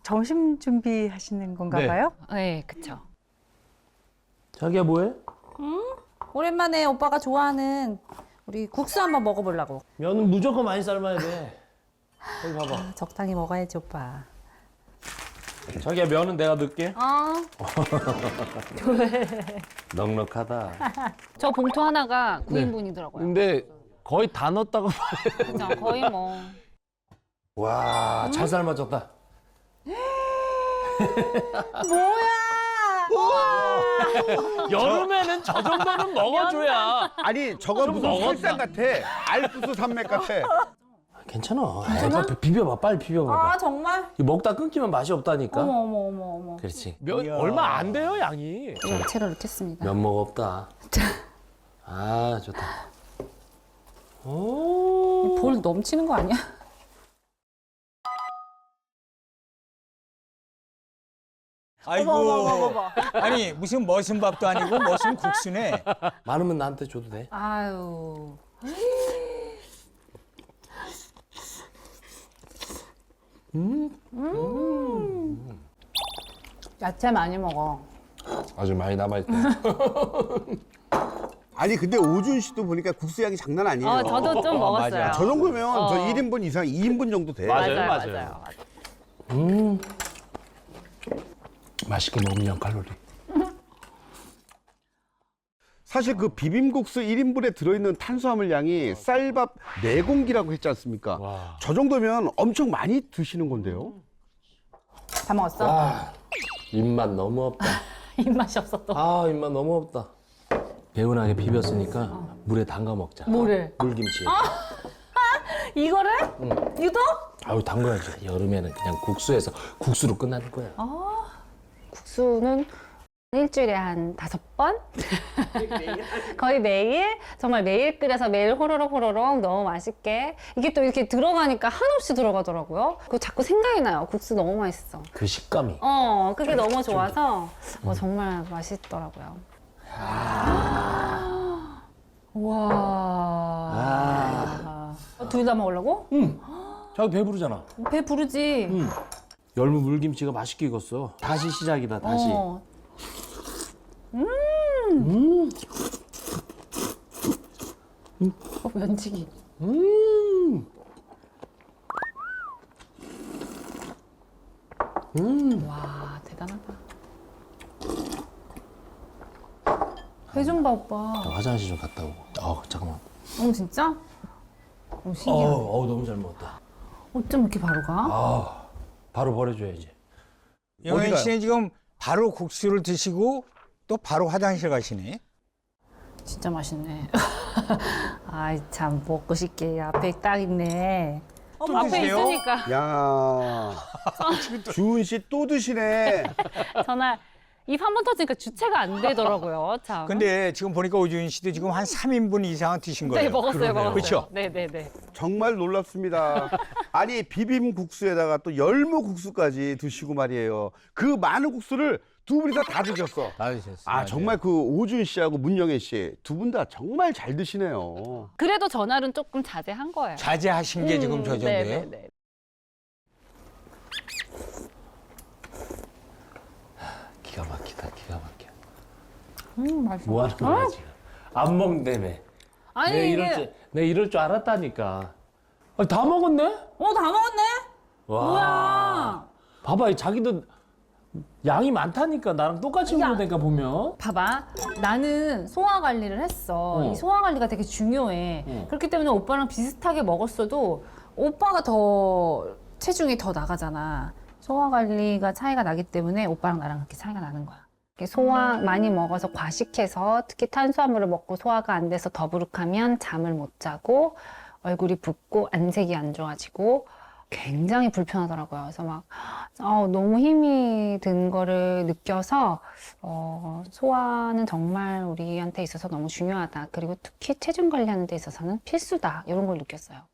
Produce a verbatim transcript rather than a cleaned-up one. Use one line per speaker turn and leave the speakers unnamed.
점심 준비하시는 건가
네.
봐요?
네, 그쵸.
자기야 뭐해?
오랜만에 오빠가 좋아하는 우리 국수 한번 먹어보려고.
면은 무조건 많이 삶아야 돼. 여기 봐봐.
아, 적당히 먹어야지, 오빠.
자기야 면은 내가 넣을게.
어,
넉넉하다.
저 봉투 하나가 구
네.
인분이더라고요.
근데 거의 다 넣었다고 봐요.
그죠? 거의 뭐.
와, 잘 삶아졌다. 여름에는 저 정도는 먹어줘야.
아니 저거
좀
무슨
먹었나?
설상 같아. 알프스 산맥 같아.
괜찮아. 괜찮아? 비벼봐, 빨리 비벼봐.
아, 정말?
이거 먹다 끊기면 맛이 없다니까.
어머, 어머, 어머, 어머.
그렇지. 면 얼마 안 돼요, 양이.
야채를 넣겠습니다.
면목 없다. 아, 좋다. 오.
볼 넘치는 거 아니야?
아이고. 아니 무슨 머슴밥도 아니고 머슴 국수네.
많으면 나한테 줘도 돼.
아유. 음. 야채 많이 먹어.
아주 많이 남아있다.
아니 근데 오준 씨도 보니까 국수 양이 장난 아니에요.
어, 저도 좀 먹었어요.
맞아.
저 정도면
어.
저 일 인분 이상 이 인분 정도 돼.
맞아요,
맞아요,
맞아요.
맞아요. 맞아요.
음. 맛있게 먹으면 영 칼로리.
사실 그 비빔국수 일 인분에 들어있는 탄수화물 양이 쌀밥 네 공기라고 했지 않습니까?
와.
저 정도면 엄청 많이 드시는 건데요.
다 먹었어?
아, 입맛 너무 없다.
입맛이 없어 또.
아, 입맛 너무 없다. 개운하게 비볐으니까 물에 담가 먹자.
뭐를?
물김치.
이거를? 유독?
아유, 담가야지. 여름에는 그냥 국수에서 국수로 끝나는 거야.
국수는 일주일에 한 다섯 번? 거의 매일? 정말 매일 끓여서 매일 호로록 호로록 너무 맛있게. 이게 또 이렇게 들어가니까 한없이 들어가더라고요. 그거 자꾸 생각이 나요. 국수 너무 맛있어.
그 식감이.
어, 그게 너무 좋아서 어, 정말 맛있더라고요.
와.
아.
둘 다 먹으려고?
자기 배부르잖아.
배 부르지.
열무 물김치가 맛있게 익었어. 다시 시작이다, 다시.
어.
음.
어, 면치기.
음. 음.
와, 대단하다. 회 좀 봐, 오빠.
나 화장실 좀 갔다 오고. 어, 잠깐만.
어, 진짜? 어,
어,
신기하네.
어, 너무 잘 먹었다.
어쩜 이렇게 바로 가?
아, 바로 버려줘야지.
영현
어디가요?
씨는 지금 바로 국수를 드시고 또 바로 화장실 가시네.
진짜 맛있네. 아이, 참, 먹고 싶게. 앞에 딱 있네.
또
앞에
드세요?
있으니까.
야, 주은 씨 또 드시네.
전화, 입 한 번 터지니까 주체가 안 되더라고요. 참.
근데 지금 보니까 오주인 씨도 지금 한 삼 인분 이상은 드신 거예요.
네, 먹었어요, 먹었어요.
그렇죠?
네네네.
정말 놀랍습니다. 아니 비빔국수에다가 또 열무국수까지 드시고 말이에요. 그 많은 국수를 두 분이서 다 드셨어.
다 드셨어요.
아 정말 그 오준 씨하고 문영애 씨 두 분 다 정말 잘 드시네요.
그래도 전화는 조금 자제한 거예요.
자제하신 게 지금 저 정도예요?
네네네.
기가 막히다, 기가 막혀.
음, 맛있어.
뭐 하는 거야, 지금? 안 먹는다며.
아니,
내
이게.
이럴 줄, 내 이럴 줄 알았다니까. 아니, 다 먹었네?
어, 다 먹었네?
와.
뭐야.
봐봐, 이 자기도 양이 많다니까. 나랑 똑같이 먹는다니까, 보면.
봐봐. 나는 소화 관리를 했어.
어.
이 소화 관리가 되게 중요해.
어.
그렇기 때문에 오빠랑 비슷하게 먹었어도 오빠가 더 체중이 더 나가잖아. 소화 관리가 차이가 나기 때문에 오빠랑 나랑 그렇게 차이가 나는 거야.
이렇게 소화 많이 먹어서 과식해서 특히 탄수화물을 먹고 소화가 안 돼서 더부룩하면 잠을 못 자고 얼굴이 붓고 안색이 안 좋아지고 굉장히 불편하더라고요. 그래서 막 어, 너무 힘이 든 거를 느껴서 어, 소화는 정말 우리한테 있어서 너무 중요하다. 그리고 특히 체중 관리하는 데 있어서는 필수다. 이런 걸 느꼈어요.